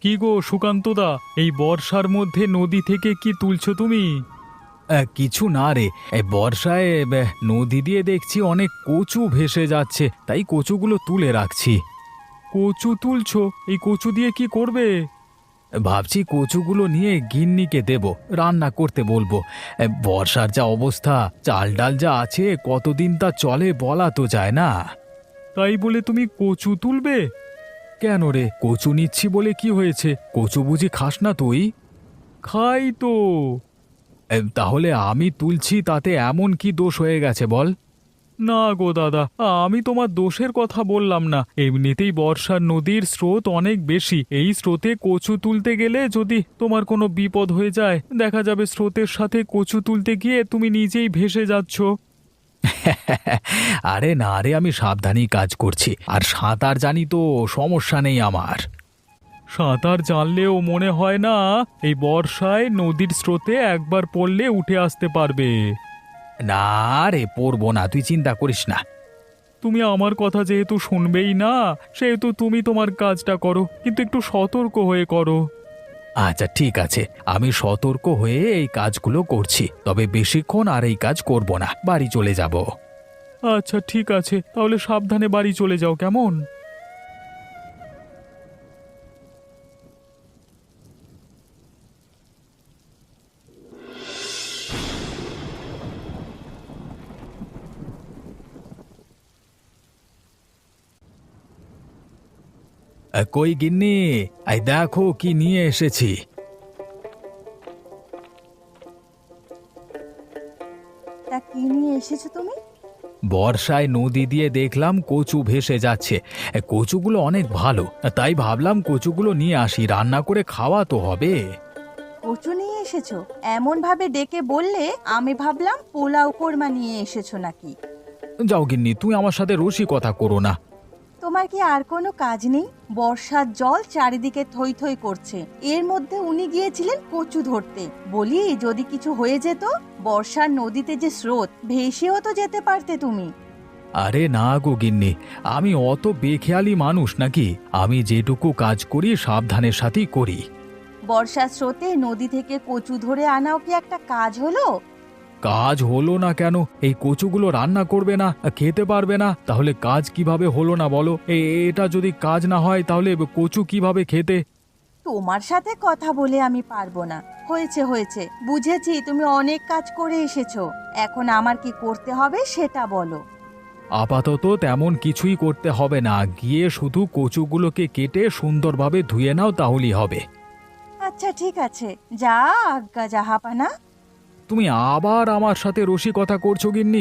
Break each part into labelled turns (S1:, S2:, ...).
S1: কি গো সুকান্তদা, এই বর্ষার মধ্যে নদী থেকে কি তুলছো তুমি?
S2: কিছু না রে, এই বর্ষায় নদী দিয়ে দেখছি অনেক কচু ভেসে যাচ্ছে, তাই কচুগুলো তুলে রাখছি।
S1: কচু তুলছো? এই কচু দিয়ে কি করবে?
S2: ভাবছি কচুগুলো নিয়ে গিন্নিকে দেব, রান্না করতে বলবো। বর্ষার যা অবস্থা, চাল ডাল যা আছে কতদিন তা চলে বলা তো যায় না।
S1: তাই বলে তুমি কচু তুলবে?
S2: কেন রে, কচু নিচ্ছি বলে কি হয়েছে? কচু বুঝি খাস না তুই?
S1: খাই তো।
S2: তাহলে আমি তুলছি, তাতে এমন কি দোষ হয়ে গেছে বল?
S1: না গো দাদা, আমি তোমার দোষের কথা বললাম না। এমনিতেই বর্ষার নদীর স্রোত অনেক বেশি। এই স্রোতে কচু তুলতে গেলে যদি তোমার কোনো বিপদ হয়ে যায়, দেখা যাবে স্রোতের সাথে কচু তুলতে গিয়ে তুমি নিজেই ভেসে যাচ্ছ।
S2: আরে না রে, আমি সাবধানেই কাজ করছি, আর সাঁতার জানি তো, সমস্যা নেই আমার।
S1: সাঁতার জানলেও মনে হয় না এই বর্ষায় নদীর স্রোতে একবার পড়লে উঠে আসতে পারবে।
S2: না রে, পড়বো না, তুই চিন্তা করিস না।
S1: তুমি আমার কথা যেহেতু শুনবেই না, সেহেতু তুমি তোমার কাজটা করো, কিন্তু একটু সতর্ক হয়ে করো।
S2: আচ্ছা ঠিক আছে, আমি সতর্ক হয়ে এই কাজগুলো করছি, তবে বেশিক্ষণ আর এই কাজ করব না, বাড়ি চলে যাব।
S1: আচ্ছা ঠিক আছে, তাহলে সাবধানে বাড়ি চলে যাও, কেমন?
S2: কই গিন্নি, এই দেখো কি নিয়ে এসেছি।
S3: তা কি নিয়ে এসেছো তুমি?
S2: বর্ষায় নদী দিয়ে দেখলাম কচু ভেসে যাচ্ছে। কচুগুলো অনেক ভালো, তাই ভাবলাম কচুগুলো নিয়ে আসি, রান্না করে খাওয়া তো হবে।
S3: কচু নিয়ে এসেছো? এমন ভাবে ডেকে বললে আমি ভাবলাম পোলাও কোরমা নিয়ে এসেছো নাকি।
S2: যাও গিন্নি, তুই আমার সাথে রসিকতা করো না।
S3: তোমার কি আর কোনো কাজ নেই? বর্ষার জল চারিদিকে থই থই করছে, এর মধ্যে উনি গিয়েছিলেন কচু ধরতে। বলি যদি কিছু হয়ে যেত, বর্ষার নদীতে যে স্রোত, ভেসেও তো যেতে পারতে তুমি।
S2: আরে না গো গিন্নি, আমি অত বেখেয়ালি মানুষ নাকি? আমি যেটুকু কাজ করি সাবধানের সাথেই করি।
S3: বর্ষার স্রোতে নদী থেকে কচু ধরে আনাও কি একটা কাজ হলো?
S2: কাজ হলো না কেন? এই কচুগুলো রান্না করবে না, খেতে পারবে না, তাহলে কাজ কিভাবে হলো না বলো? এটা যদি কাজ না হয় তাহলে কচু কিভাবে খেতে?
S3: তোমার সাথে কথা বলে আমি পারবো না। হয়েছে হয়েছে, বুঝেছি তুমি অনেক কাজ করে এসেছো। এখন আমার কি করতে হবে সেটা বলো।
S2: আপাতত তেমন কিছুই করতে হবে না, গিয়ে শুধু কচুগুলোকে কেটে সুন্দরভাবে ধুয়ে নাও, তাহলেই হবে।
S3: আচ্ছা ঠিক আছে, যা আজ্ঞা জাহাপানা।
S2: তুমি আবার আমার সাথে রসিকতা করছো গিন্নি?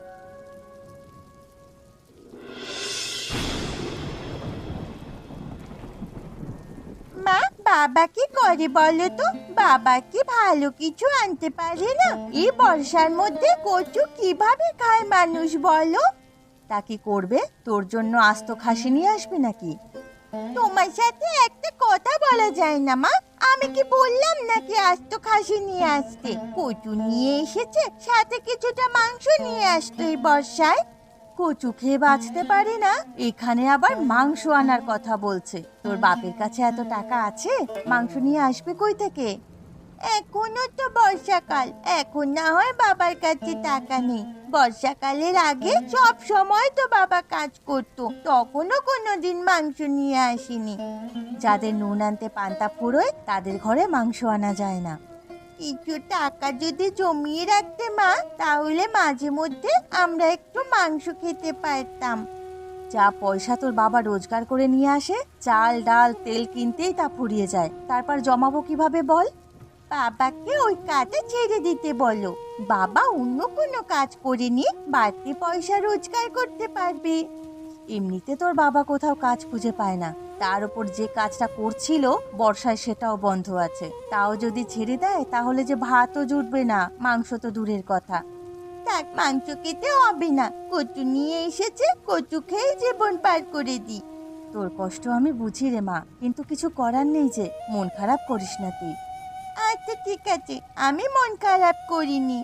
S3: মা, বাবা কি করে বলো তো? বাবা কি ভালো কিছু আনতে পারে না? এই বর্ষার মধ্যে কচু কিভাবে খায় মানুষ বলো? তা কি করবে? তোর জন্য আস্ত খাসি নিয়ে আসবে নাকি? তোমার সাথে একটা কথা বলা যায় না মা? আমি কি বললাম নাকি আস্ত খাসি নিয়ে আসতে? কচু নিয়ে এসেছে, সাথে কিছুটা মাংস নিয়ে আসতো এই বর্ষায়। কচু খেয়ে বাঁচতে পারি না, এখানে আবার মাংস আনার কথা বলছে। তোর বাপের কাছে এত টাকা আছে? মাংস নিয়ে আসবে কই থেকে? এখনো তো বর্ষাকাল, এখন না হয় বাবার কাছে টাকা নেই। বর্ষাকালের আগে সব সময় তো বাবা কাজ করতো, তখনও কোনোদিন মাংস নিয়ে আসেনি। যাদের নুন আনতে পান্তা ফুরোয় তাদের ঘরে মাংস আনা যায় না। কিছু টাকা যদি জমিয়ে রাখতে মা, তাহলে মাঝে মধ্যে আমরা একটু মাংস খেতে পারতাম। যা পয়সা তোর বাবা রোজগার করে নিয়ে আসে, চাল ডাল তেল কিনতেই তা ফুরিয়ে যায়। তারপর জমাবো কিভাবে বল? বাবাকে ওই কাজে ছেড়ে দিতে বলো। বাবা অন্য কোনো কাজ করে নিয়ে বাড়তি পয়সা রোজগার করতে পারবে। এমনিতে তোর বাবা কোথাও কাজ খুঁজে পায় না, তার উপর যে কাজটা করছিল বর্ষায় সেটাও বন্ধ আছে। তাও যদি ছেড়ে দেয় তাহলে যে ভাতও জুটবে না, মাংস তো দূরের কথা। থাক, মাংস খেতে হবে না, কচু নিয়ে এসেছে, কচু খেয়ে জীবন পার করে দি। তোর কষ্ট আমি বুঝি রে মা, কিন্তু কিছু করার নেই যে। মন খারাপ করিস না তুই। আচ্ছা ঠিক আছে, আমি মন খারাপ করিনি।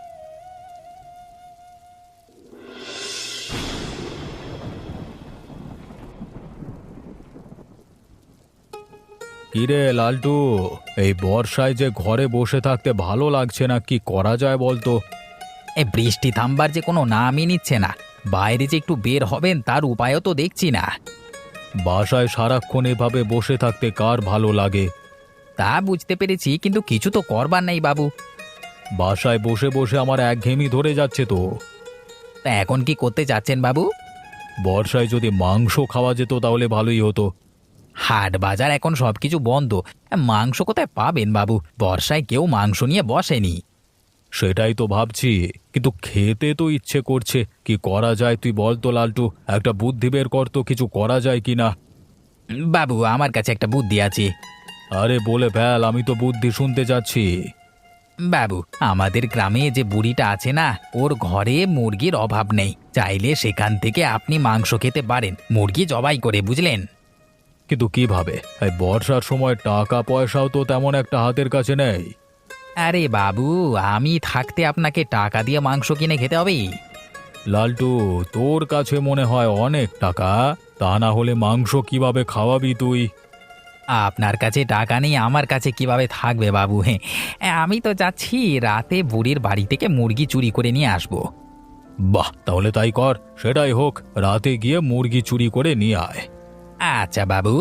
S2: কিরে লালটু, এই বর্ষায় যে ঘরে বসে থাকতে ভালো লাগছে না, কি করা যায় বলতো?
S4: বৃষ্টি থামবার যে কোনো নামই নিচ্ছে না। বাইরে যে একটু বের হবেন তার উপায়ও তো দেখছি না।
S2: বাসায় সারাক্ষণ এভাবে বসে থাকতে কার ভালো লাগে?
S4: তা বুঝতে পেরেছি, কিন্তু কিছু তো করবার নাই বাবু।
S2: বাসায় বসে বসে আমার একঘেয়েমি ধরে যাচ্ছে তো।
S4: তা এখন কি করতে যাচ্ছেন বাবু?
S2: বর্ষায় যদি মাংস খাওয়া যেত তাহলে ভালোই হতো।
S4: হাট বাজার এখন সবকিছু বন্ধ। মাংস কোথায় পাবেন বাবু? বর্ষায় কেউ মাংস নিয়ে বসেনি।
S2: সেটাই তো ভাবছি, কিন্তু খেতে তো ইচ্ছে করছে। কি করা যায় তুই বল তো লালটু, একটা বুদ্ধি বের কর তো, কিছু করা যায় কি না।
S4: বাবু, আমার কাছে একটা বুদ্ধি আছে।
S2: আরে বলে ফেল, আমি তো বুদ্ধি শুনতে যাচ্ছি।
S4: বাবু, আমাদের গ্রামে যে বুড়িটা আছে না, ওর ঘরে মুরগির অভাব নেই। চাইলে সেখান থেকে আপনি মাংস খেতে পারেন, মুরগি জবাই করে, বুঝলেন?
S2: কিন্তু কিভাবে? এই বর্ষার সময় টাকা পয়সাও তো তেমন একটা হাতের কাছে নেই।
S4: আরে বাবু, আমি থাকতে আপনাকে টাকা দিয়ে মাংস কিনে খেতে হবে?
S2: লালটু, তোর কাছে মনে হয় অনেক টাকা, তা না হলে মাংস কিভাবে খাওয়াবি তুই?
S4: আপনার কাছে টাকা নেই, আমার কাছে কিভাবে থাকবে বাবু? হ্যাঁ, আমি তো যাচ্ছি রাতে বুড়ির বাড়ি থেকে মুরগি চুরি করে নিয়ে আসবো।
S2: বাহ, তাহলে তাই কর, সেটাই হোক, রাতে গিয়ে মুরগি চুরি করে নিয়ে আয়।
S4: আচ্ছা বাবু।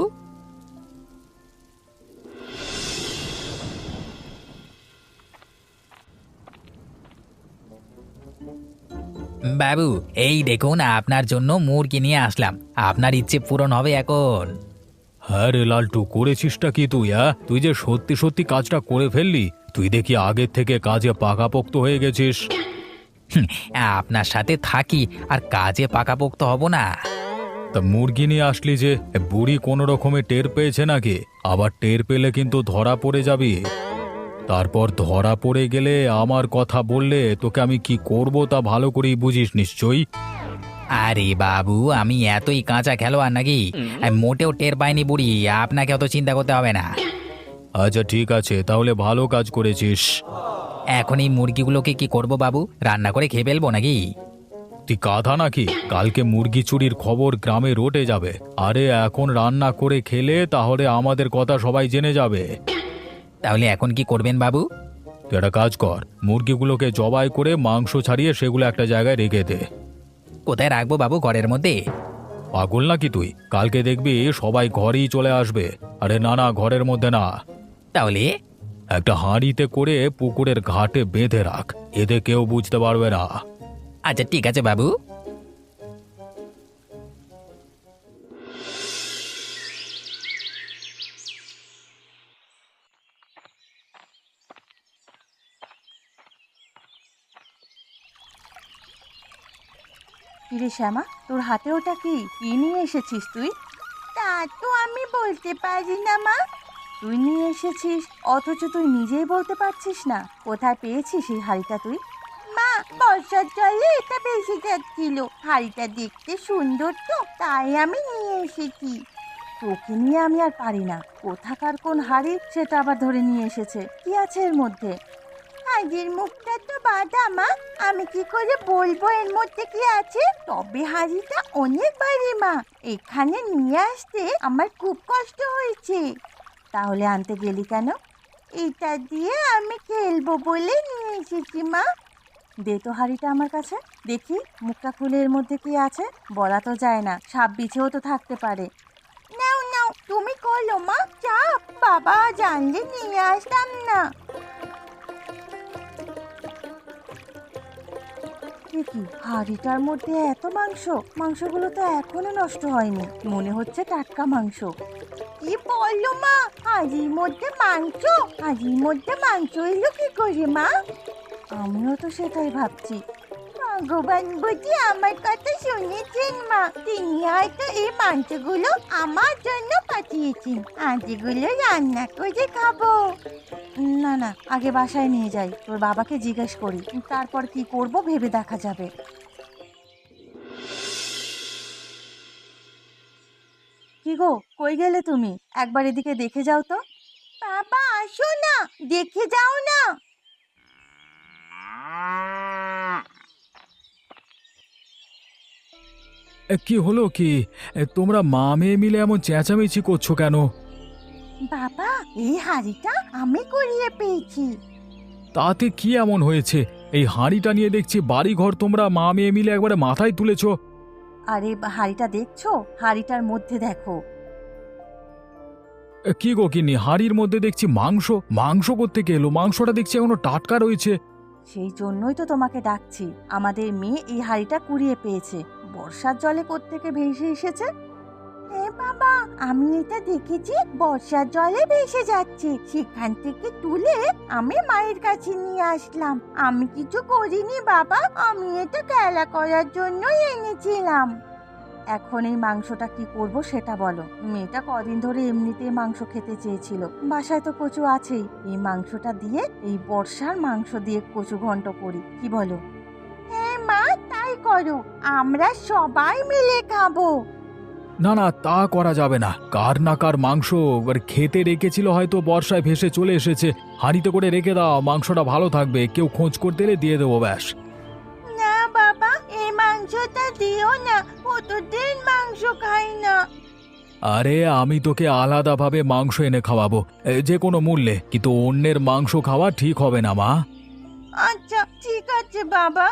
S4: বাবু, এই দেখুন আপনার জন্য মুরগি নিয়ে আসলাম। আপনার ইচ্ছে পূরণ হবে এখন।
S2: হ্যাঁ রে লালটু, করেছিসটা কি তুই? তুই যে সত্যি সত্যি কাজটা করে ফেললি। তুই দেখি আগের থেকে কাজে পাকাপোক্ত হয়ে গেছিস।
S4: হুম, আপনার সাথে থাকি আর কাজে পাকাপোক্ত হব না?
S2: তা মুরগি নিয়ে আসলি যে, বুড়ি কোনো রকমে টের পেয়েছে নাকি? আবার টের পেলে কিন্তু ধরা পড়ে যাবি। তারপর ধরা পড়ে গেলে আমার কথা বললে তোকে আমি কি করব তা ভালো করেই বুঝিস নিশ্চয়ই।
S4: আরে বাবু, আমি এতই কাঁচা খেলোয়াড় নাকি? আমি মোটেও টের পাইনি বুড়ি, আপনাকে অত চিন্তা করতে হবে না।
S2: আচ্ছা ঠিক আছে, তাহলে ভালো কাজ করেছিস।
S4: এখন এই মুরগিগুলোকে কি করব বাবু? রান্না করে খেয়ে ফেলবো নাকি?
S2: তুই গাধা নাকি? কালকে মুরগি চুরির খবর গ্রামে রটে যাবে। আরে এখন রান্না করে খেলে তাহলে আমাদের কথা সবাই জেনে যাবে।
S4: তাহলে এখন কি করবেন বাবু?
S2: তুই একটা কাজ কর, মুরগিগুলোকে জবাই করে মাংস ছাড়িয়ে সেগুলো একটা জায়গায় রেখে দে।
S4: কোথায় রাখবো বাবু? ঘরের মধ্যে?
S2: পাগল নাকি তুই? কালকে দেখবি সবাই ঘরেই চলে আসবে। আরে না না, ঘরের মধ্যে না,
S4: তাহলে?
S2: একটা হাঁড়িতে করে পুকুরের ঘাটে বেঁধে রাখ, এতে কেউ বুঝতে পারবে না।
S4: আচ্ছা ঠিক আছে বাবু।
S3: কিরে শ্যামা, তোর হাতে ওটা কি? কি নিয়ে এসেছিস তুই? তা তো আমি বলতে পারি না মা। তুই নিয়ে এসেছিস অথচ তুই নিজেই বলতে পারছিস না। কোথায় পেয়েছিস এই হাঁড়িটা তুই? মা, বর্ষার জলে এটা ভেসে যাচ্ছিল। হাঁড়িটা দেখতে সুন্দর তো, তাই আমি নিয়ে এসেছি। তোকে নিয়ে আমি আর পারি না। কোথাকার কোন হাঁড়ি সেটা আবার ধরে নিয়ে এসেছে। কি আছে এর মধ্যে? হাঁড়ির মুখটা তো বাঁধা মা, আমি কি করে বলবো এর মধ্যে কি আছে? তবে হাঁড়িটা অনেক ভারী মা, এখানে নিয়ে আসতে আমার খুব কষ্ট হয়েছে। তাহলে আনতে গেলি কেন? এটা দিয়ে আমি খেলবো বলে নিয়ে এসেছি মা। দে তো হাঁড়িটা আমার কাছে, দেখি মুখটা খুলে এর মধ্যে কি আছে। বলা তো যায় না, সাপ বিছেও তো থাকতে পারে। নাও নাও, তুমি খোলো মা, চাপ। বাবা জানলে নিয়ে আসতাম না। কি হাঁড়িটার মধ্যে এত মাংস? মাংসগুলো তো এখনো নষ্ট হয়নি, মনে হচ্ছে টাটকা মাংস। কি বললো মা? হাঁড়ির মধ্যে মাংস? হাঁড়ির মধ্যে মাংস এলো কি করে মা? আমিও তো সেটাই ভাবছি। ভগবান বুঝি আমার কথা শুনেছেন মা। তিনি হয়তো এই মাংসগুলো আমার জন্য পাঠিয়েছেন, আজ এগুলো রান্না করে খাবো। না না, আগে বাসায় নিয়ে যাই, তোর বাবাকে জিজ্ঞেস করি, তারপর কি করব ভেবে দেখা যাবে। কি গো, কই গেলে তুমি? একবার এদিকে দেখে যাও তো। বাবা আসো না, দেখে যাও না।
S2: কি হলো কি? তোমরা মা মেয়ে মিলে এমন চেঁচামেচি করছো কেন?
S3: বাবা, এই হাঁড়িটা আমি কুড়িয়ে পেয়েছি।
S2: তাতে কি এমন হয়েছে? এই হাঁড়িটা নিয়ে দেখছি বাড়ি ঘর তোমরা মা মেয়ে মিলে একবারে মাথায় তুলেছো।
S3: আরে হাঁড়িটা দেখছো? হাঁড়িটার মধ্যে দেখো।
S2: কি গো গিন্নি, হাঁড়ির মধ্যে দেখছি মাংস। মাংস কোত্থেকে এলো? মাংসটা দেখছি এখনো টাটকা রয়েছে।
S3: সেই জন্যই তো তোমাকে ডাকছি। আমাদের মেয়ে এই হাঁড়িটা কুড়িয়ে পেয়েছে। বর্ষার জলে কোত্থেকে ভেসে এসেছে। হ্যাঁ বাবা, আমি এটা দেখেছি, বর্ষার জলে ভেসে যাচ্ছে। সেখান থেকে তুলে আমি মায়ের কাছে নিয়ে আসলাম। আমি কিছু করিনি বাবা, আমি এটা খেলা করার জন্যই এনেছিলাম। এখন এই মাংসটা কি করব সেটা বলো। মেয়েটা কদিন ধরে এমনিতেই মাংস খেতে চেয়েছিল, বাসায় তো কচু আছেই। এই মাংসটা দিয়ে, এই বর্ষার মাংস দিয়ে কচু ঘন্ট করি, কি বলো? হ্যাঁ মা, তাই করো, আমরা সবাই মিলে খাবো।
S2: না না, তা করা যাবে না। কার না কার মাংস এবার খেতে রেখেছিল, হয়তো বর্ষায় ভেসে চলে এসেছে। হাঁড়িতে করে রেখে দাও, মাংসটা ভালো থাকবে। কেউ খোঁজ করতে এলে দিয়ে দেবো ব্যাস।
S3: না বাবা, এই মাংসটা দিও না, কতদিন মাংস খাই না।
S2: আরে আমি তোকে আলাদাভাবে মাংস এনে খাওয়াবো, যে কোনো মূল্যে। কিন্তু অন্যের মাংস খাওয়া ঠিক হবে না মা।
S3: আচ্ছা ঠিক আছে বাবা।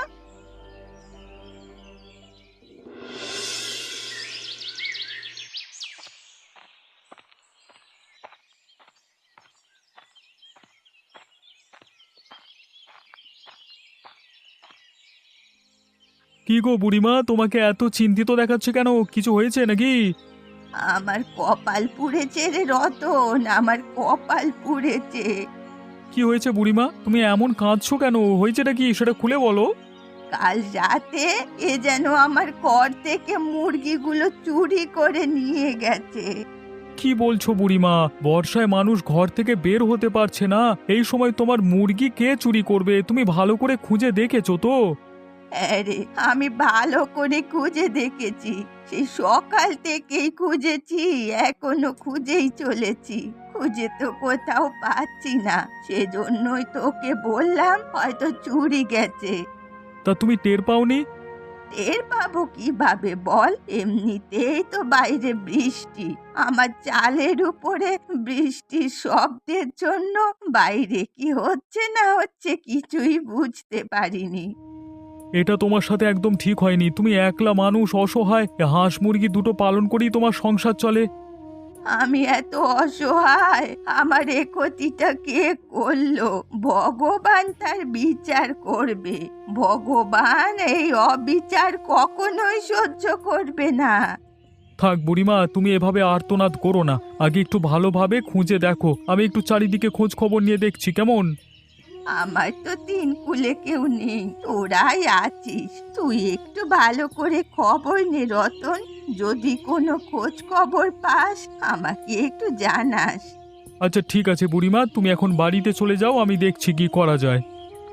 S1: কি গো বুড়িমা, তোমাকে এত চিন্তিত দেখাচ্ছে কেন? কিছু হয়েছে নাকি?
S3: আমার কপাল পুড়েছে রে রতন, আমার কপাল পুড়েছে।
S1: কি হয়েছে বুড়িমা? তুমি এমন কাঁদছো কেন? হয়েছেটা কি সেটা খুলে বলো।
S3: কাল রাতে এ যেন আমার ঘর থেকে মুরগিগুলো চুরি করে নিয়ে গেছে।
S1: কি বলছো বুড়িমা? বর্ষায় মানুষ ঘর থেকে বের হতে পারছে না, এই সময় তোমার মুরগি কে চুরি করবে? তুমি ভালো করে খুঁজে দেখেছো তো?
S3: আরে আমি ভালো করে খুঁজে দেখেছি, সেই সকাল থেকেই খুঁজেছি, এখনো খুঁজেই চলেছি। খুঁজে তো কোথাও পাচ্ছি না, সেজন্যই তোকে বললাম হয়তো চুরি গেছে।
S1: তা তুমি টের পাওনি?
S3: টের পাবো কিভাবে বল? এমনিতেই তো বাইরে বৃষ্টি, আমার চালের উপরে বৃষ্টির শব্দের জন্য বাইরে কি হচ্ছে না হচ্ছে কিছুই বুঝতে পারিনি।
S1: এটা তোমার সাথে একদম ঠিক হয়নি। তুমি একলা মানুষ, অসহায়, হাঁস মুরগি দুটো পালন করেই তোমার সংসার চলে।
S3: আমি এত অসহায়, আমার এ ক্ষতিটা কে করলো? ভগবান তার বিচার করবে। ভগবান এই অবিচার কখনোই সহ্য করবে না।
S1: থাক বুড়িমা, তুমি এভাবে আর্তনাদ করো না। আগে একটু ভালোভাবে খুঁজে দেখো, আমি একটু চারিদিকে খোঁজ খবর নিয়ে দেখছি, কেমন?
S3: আমার তো তিন কুলে কেউ নেই, তোরাই আছিস। তুই একটু ভালো করে খবর নে রতন, যদি কোনো খোঁজ খবর পাস আমাকে একটু জানাস।
S1: আচ্ছা ঠিক আছে বুড়িমা, তুমি এখন বাড়িতে চলে যাও, আমি দেখছি কি করা যায়।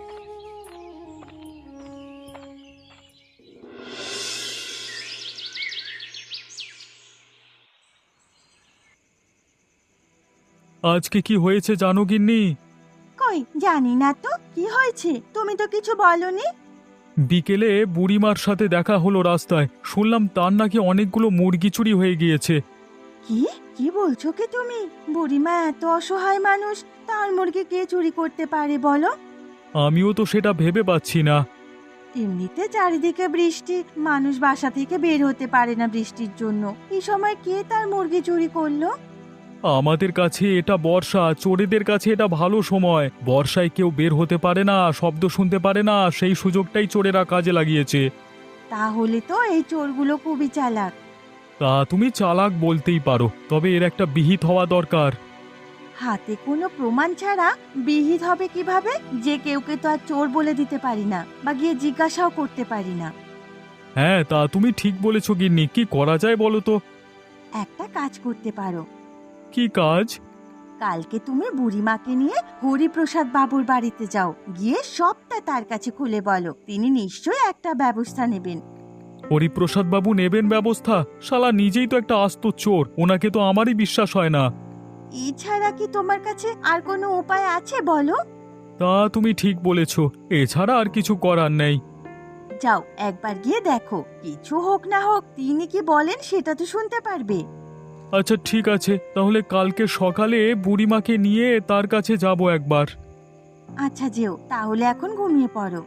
S1: আজকে কি হয়েছে জানো গিন্নি?
S3: কই জানি না তো, কি হয়েছে? তুমি তো কিছু বলনি।
S1: বিকেলে বুড়িমার সাথে দেখা হলো রাস্তায়, শুনলাম তার নাকি অনেকগুলো মুরগি চুরি হয়ে গিয়েছে।
S3: কি কি বলছো কি তুমি? বুড়িমা এত অসহায় মানুষ, তার মুরগি কে চুরি করতে পারে বলো?
S1: আমিও তো সেটা ভেবে পাচ্ছি না।
S3: এমনিতে চারিদিকে বৃষ্টি, মানুষ বাসা থেকে বের হতে পারে না বৃষ্টির জন্য। এই সময় কে তার মুরগি চুরি করলো?
S1: আমাদের কাছে এটা বর্ষা, চোরেদের কাছে এটা ভালো সময়। বর্ষায় কেউ বের হতে পারে না, শব্দ শুনতে পারে না, সেই সুযোগটাই চোরেরা কাজে লাগিয়েছে।
S3: তাহলে তো এই চোরগুলো খুবই চালাক।
S1: তা তুমি চালাক বলতেই পারো, তবে এর একটা বিহিত হওয়া দরকার।
S3: হাতে কোনো প্রমাণ ছাড়া বিহিত হবে কিভাবে? যে কেউকে তো আর চোর বলে দিতে পারি না, বা গিয়ে জিজ্ঞাসাও করতে পারি না।
S1: হ্যাঁ, তা তুমি ঠিক বলেছো গিন্নি। কি করা যায় বলো তো?
S3: একটা কাজ করতে পারো।
S1: কি কাজ?
S3: কালকে তুমি বুড়িমাকে নিয়ে হরিপ্রসাদ বাবুর বাড়িতে যাও, গিয়ে সবটা তার কাছে খুলে বলো। তিনি নিশ্চয়ই একটা ব্যবস্থা নেবেন।
S1: হরিপ্রসাদ বাবু নেবেন ব্যবস্থা? শালা নিজেই তো একটা আস্ত চোর, ওনাকে তো আমারই বিশ্বাস হয় না।
S3: এছাড়া কি তোমার কাছে আর কোনো উপায় আছে বলো?
S1: তা তুমি ঠিক বলেছো, এছাড়া আর কিছু করার নেই।
S3: যাও একবার গিয়ে দেখো, কিছু হোক না হোক তিনি কি বলেন সেটা তো শুনতে পারবে।
S1: আচ্ছা ঠিক আছে, তাহলে কালকে সকালে বুড়িমাকে নিয়ে তার কাছে যাব একবার।
S3: আচ্ছা যেও, তাহলে এখন ঘুমিয়ে পড়ো।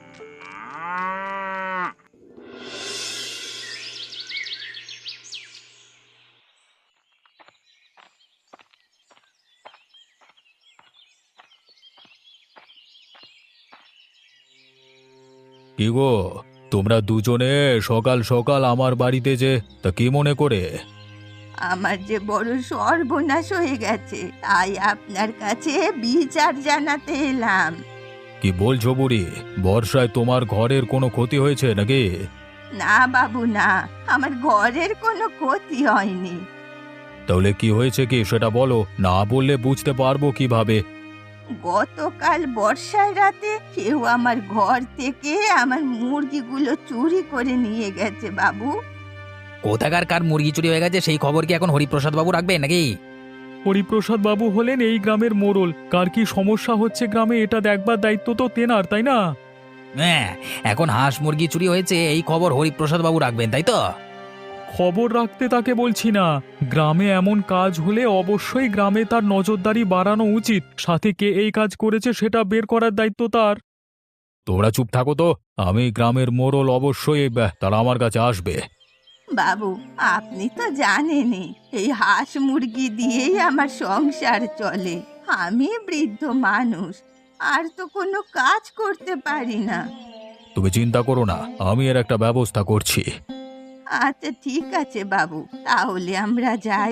S2: কি গো, তোমরা দুজনে সকাল সকাল আমার বাড়িতে যে, তা কি মনে করে?
S3: আমার যে বড় সর্বনাশ হয়ে গেছে, তাই আপনার কাছে বিচার জানাতে এলাম।
S2: কি বলছো বুড়ি? বর্ষায় তোমার ঘরের কোনো ক্ষতি হয়েছে নাকি?
S3: না বাবু না, আমার ঘরের কোনো ক্ষতি হয়নি।
S2: তাহলে কি হয়েছে কি সেটা বলো, না বললে বুঝতে পারবো কিভাবে।
S3: গতকাল বর্ষার রাতে কেউ আমার ঘর থেকে আমার মুরগিগুলো চুরি করে নিয়ে গেছে বাবু।
S4: কোথাকার কার মুরগি চুরি হয়ে গেছে সেই খবর কি এখন হরিপ্রসাদ বাবু রাখবেন নাকি?
S1: হরিপ্রসাদ বাবু হলেন এই গ্রামের মোড়ল, কার কি সমস্যা হচ্ছে গ্রামে এটা দেখবার দায়িত্ব তো তেনার, তাই না?
S4: হ্যাঁ, এখন হাঁস মুরগি চুরি হয়েছে এই খবর হরিপ্রসাদ বাবু রাখবেন, তাই তো?
S1: খবর রাখতে তাকে বলছি না, গ্রামে এমন কাজ হলে অবশ্যই গ্রামে তার নজরদারি বাড়ানো উচিত, সাথে কে এই কাজ করেছে সেটা বের করার দায়িত্ব তার।
S2: তোমরা চুপ থাকো তো, আমি গ্রামের মোড়ল, অবশ্যই তারা আমার কাছে আসবে।
S3: বাবু আপনি তো জানেনই এই হাঁস মুরগি দিয়েই আমার সংসার চলে। আমি বৃদ্ধ মানুষ, আর তো কোনো কাজ করতে পারি না।
S2: তুমি চিন্তা করো না, আমি এর একটা ব্যবস্থা করছি।
S3: আচ্ছা ঠিক আছে বাবু, তাহলে আমরা যাই।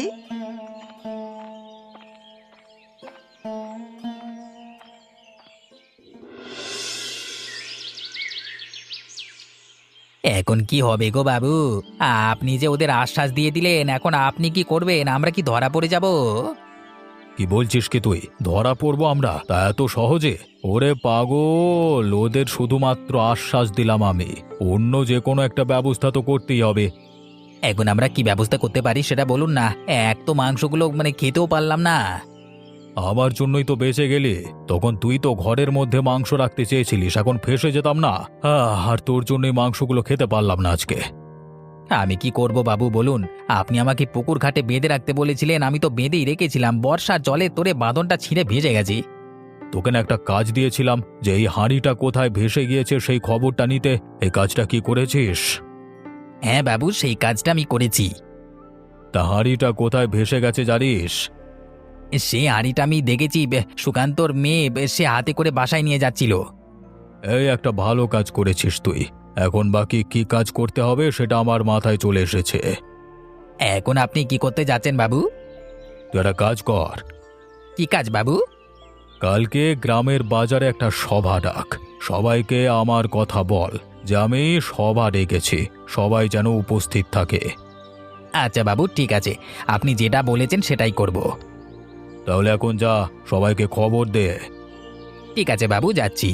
S4: এখন কি হবে গো বাবু? আপনি যে ওদের আশ্বাস দিয়ে দিলেন, এখন আপনি কি করবেন? আমরা কি ধরা পড়ে যাব?
S2: কি বলছিস কি তুই? ধরা পড়বো আমরা তা এত সহজে? ওরে পাগল, ওদের শুধুমাত্র আশ্বাস দিলাম আমি, অন্য যে কোনো একটা ব্যবস্থা তো করতেই হবে।
S4: এখন আমরা কি ব্যবস্থা করতে পারি সেটা বলুন না। এক তো মাংসগুলো খেতেও পারলাম না।
S2: আমার জন্যই তো বেঁচে গেলি, তখন তুই তো ঘরের মধ্যে মাংস রাখতে চেয়েছিলিস, এখন ফেঁসে যেতাম না। আর তোর জন্যই মাংসগুলো খেতে পারলাম না আজকে।
S4: আমি কি করব বাবু বলুন? আপনি আমাকে পুকুর ঘাটে বেঁধে রাখতে বলেছিলেন, আমি তো বেঁধেই রেখেছিলাম। বর্ষার জলে তোরে বাঁধনটা ছিঁড়ে ভেজে গেছি।
S2: তোকে না একটা কাজ দিয়েছিলাম যে এই হাঁড়িটা কোথায় ভেসে গিয়েছে সেই খবরটা নিতে, এই কাজটা কি করেছিস?
S4: হ্যাঁ বাবু, সেই কাজটা আমি করেছি।
S2: তা হাঁড়িটা কোথায় ভেসে গেছে জানিস?
S4: সে হাঁড়িটা আমি দেখেছি, সুকান্তর মেয়ে সে হাতে করে বাসায় নিয়ে যাচ্ছিল।
S2: এই একটা ভালো কাজ করেছিস তুই। এখন বাকি কি কাজ করতে হবে সেটা আমার মাথায় চলে এসেছে।
S4: এখন আপনি কি করতে যাচ্ছেন বাবু?
S2: তুই একটা কাজ কর,
S4: কি কাজ বাবু?
S2: কালকে গ্রামের বাজারে একটা সভা ডাক, সবাইকে আমার কথা বল যে আমি সভা ডেকেছি, সবাই যেন উপস্থিত থাকে।
S4: আচ্ছা বাবু ঠিক আছে, আপনি যেটা বলেছেন সেটাই করব।
S2: তাহলে এখন যা, সবাইকে খবর দে।
S4: ঠিক আছে বাবু, যাচ্ছি।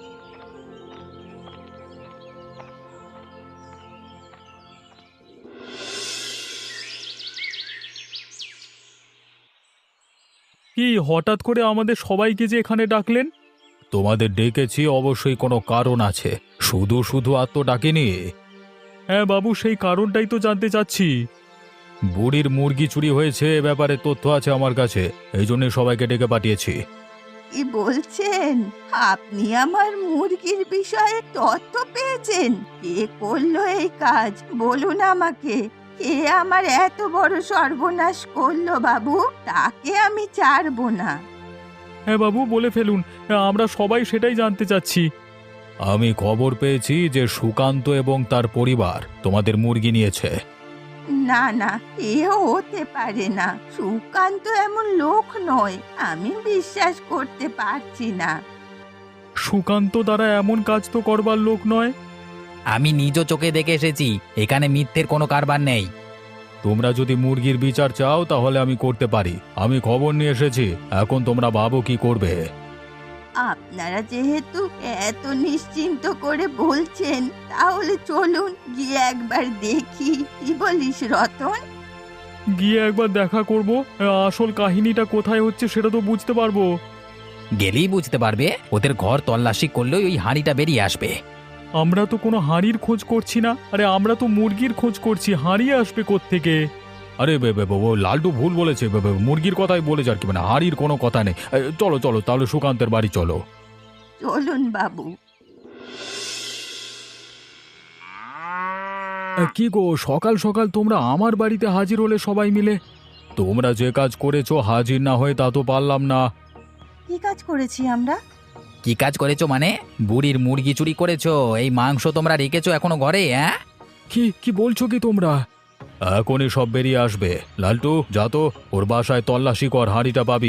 S1: কি হঠাৎ করে আমাদের সবাইকে যে এখানে ডাকলেন?
S2: তোমাদের ডেকেছি অবশ্যই কোনো কারণ আছে, শুধু শুধু আর তো ডাকিনি।
S1: হ্যাঁ বাবু, সেই কারণটাই তো জানতে চাচ্ছি।
S2: বুড়ির মুরগি চুরি হয়েছে, এ ব্যাপারে তথ্য আছে আমার কাছে, এই জন্য সবাইকে ডেকে পাঠিয়েছি।
S3: কি বলছেন? আপনি আমার মুরগির বিষয়ে তথ্য পেয়েছেন? কে করলো এই কাজ বলুন আমাকে। কে আমার এত বড় সর্বনাশ করলো বাবু? তাকে আমি ছাড়বো না।
S1: হ্যাঁ বাবু, বলে ফেলুন, আমরা সবাই সেটাই জানতে চাচ্ছি।
S2: আমি খবর পেয়েছি যে সুকান্ত এবং তার পরিবার তোমাদের মুরগি নিয়েছে।
S3: না না, এও হতে পারে না। সুকান্ত এমন লোক নয়, আমি বিশ্বাস করতে পারছি না।
S1: সুকান্ত দ্বারা এমন কাজ তো করবার লোক নয়।
S4: আমি নিজ চোখে দেখে এসেছি, এখানে মিথ্যের কোনো কারবার নেই।
S2: তোমরা যদি মুরগির বিচার চাও তাহলে আমি করতে পারি, আমি খবর নিয়ে এসেছি, এখন তোমরা ভাবো কি করবে।
S3: আপনারা যেহেতু এত নিশ্চিন্ত করে বলছেন, তাহলে চলুন গিয়ে একবার দেখি। কি বলিস রতন?
S1: গিয়ে একবার দেখা করব, আসল কাহিনীটা কোথায় হচ্ছে সেটা তো বুঝতে পারবো।
S4: গেলেই বুঝতে পারবে, ওদের ঘর তল্লাশি করলেই ওই হাঁড়িটা বেরিয়ে আসবে।
S1: আমরা তো কোনো হাঁড়ির খোঁজ করছি না, আরে আমরা তো মুরগির খোঁজ করছি, হাঁড়ি আসবে কোত্থেকে?
S2: আরে ও লালটু ভুল বলেছে, মুরগির কথাই বলেছে আর কি, মানে হাঁড়ির কোনো কথা নেই। চলো চলো তাহলে সুকান্তের বাড়ি চলো।
S3: চলুন বাবু।
S2: কি গো, সকাল সকাল তোমরা আমার বাড়িতে হাজির হলে সবাই মিলে? তোমরা যে কাজ করেছো হাজির না হয়ে তা তো পারলাম না।
S3: কি কাজ করেছি আমরা?
S4: কি কাজ করেছো মানে? বুড়ির মুরগি চুরি করেছো, এই মাংস তোমরা রেখেছো এখনো ঘরে? হ্যাঁ,
S2: কি কি বলছো কি তোমরা? এখনই সব বেরিয়ে আসবে। লালটু যা তো, ওর বাসায় তল্লাশি কর, হাঁড়িটা পাবি।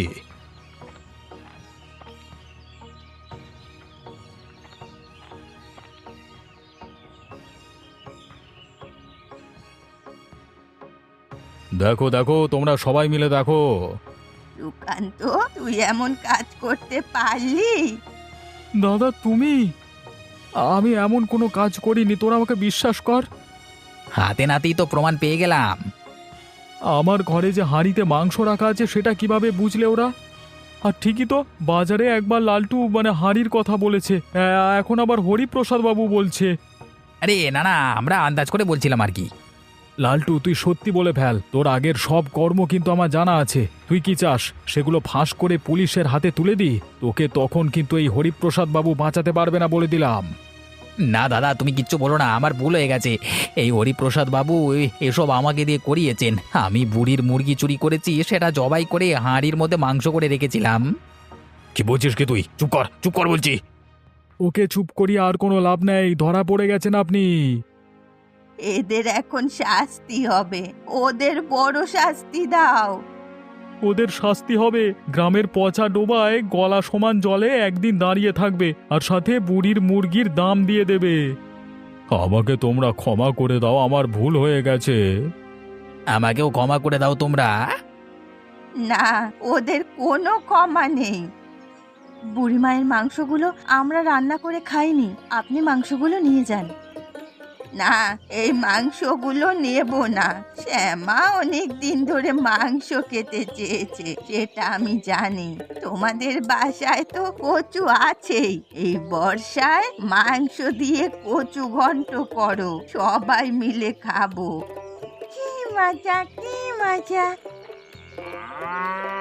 S2: দেখো দেখো, তোমরা সবাই মিলে দেখো।
S3: সুকান্ত, তুই এমন কাজ করতে পারলি?
S1: দাদা তুমি? আমি এমন কোনো কাজ করিনি, তোরা আমাকে বিশ্বাস কর।
S4: হাতে নাতেই তো প্রমাণ পেয়ে গেলাম।
S1: আমার ঘরে যে হাঁড়িতে মাংস রাখা আছে সেটা কিভাবে বুঝলে ওরা? আর ঠিকই তো, বাজারে একবার লালটু মানে হাঁড়ির কথা বলেছে, এখন আবার হরিপ্রসাদ বাবু বলছে।
S4: আরে না না, আমরা আন্দাজ করে বলছিলাম আর কি।
S1: লালটু তুই সত্যি বলে ফেল, তোর আগের সব কর্ম কিন্তু আমার জানা আছে। তুই কি চাস সেগুলো ফাঁস করে পুলিশের হাতে তুলে দি? তোকে তখন কিন্তু এই হরিপ্রসাদ বাবু বাঁচাতে পারবে না বলে দিলাম।
S4: না দাদা, তুমি কিচ্ছু বলো না, আমার ভুল হয়ে গেছে। এই হরিপ্রসাদ বাবু এসব আমাকে দিয়ে করিয়েছেন। আমি বুড়ির মুরগি চুরি করেছি, সেটা জবাই করে হাঁড়ির মধ্যে মাংস করে রেখেছিলাম।
S2: কি বলছিস কি তুই? চুপ কর বলছি।
S1: ওকে চুপ করিয়ে আর কোনো লাভ নেই, ধরা পড়ে গেছেন আপনি।
S3: এদের এখন শাস্তি হবে, ওদের বড় শাস্তি দাও।
S1: ওদের শাস্তি হবে, গ্রামের পচা ডোবায় গলা সমান জলে একদিন দাঁড়িয়ে থাকবে, আর সাথে বুড়ির মুরগির দাম দিয়ে দেবে।
S2: আমাকে তোমরা ক্ষমা করে দাও, আমার ভুল হয়ে গেছে।
S4: আমাকেও ক্ষমা করে দাও তোমরা।
S3: না, ওদের কোনো ক্ষমা নেই। বুড়িমায়ের মাংসগুলো আমরা রান্না করে খাইনি, আপনি মাংসগুলো নিয়ে যান। না, এই মাংসগুলো নেব না। শ্যামা অনেক দিন ধরে মাংস খেতে চেয়েছে, সেটা আমি জানি। তোমাদের বাসায় তো কচু আছেই, এই বর্ষায় মাংস দিয়ে কচু ঘন্ট করো, সবাই মিলে খাবো। কি মজা, কি মজা।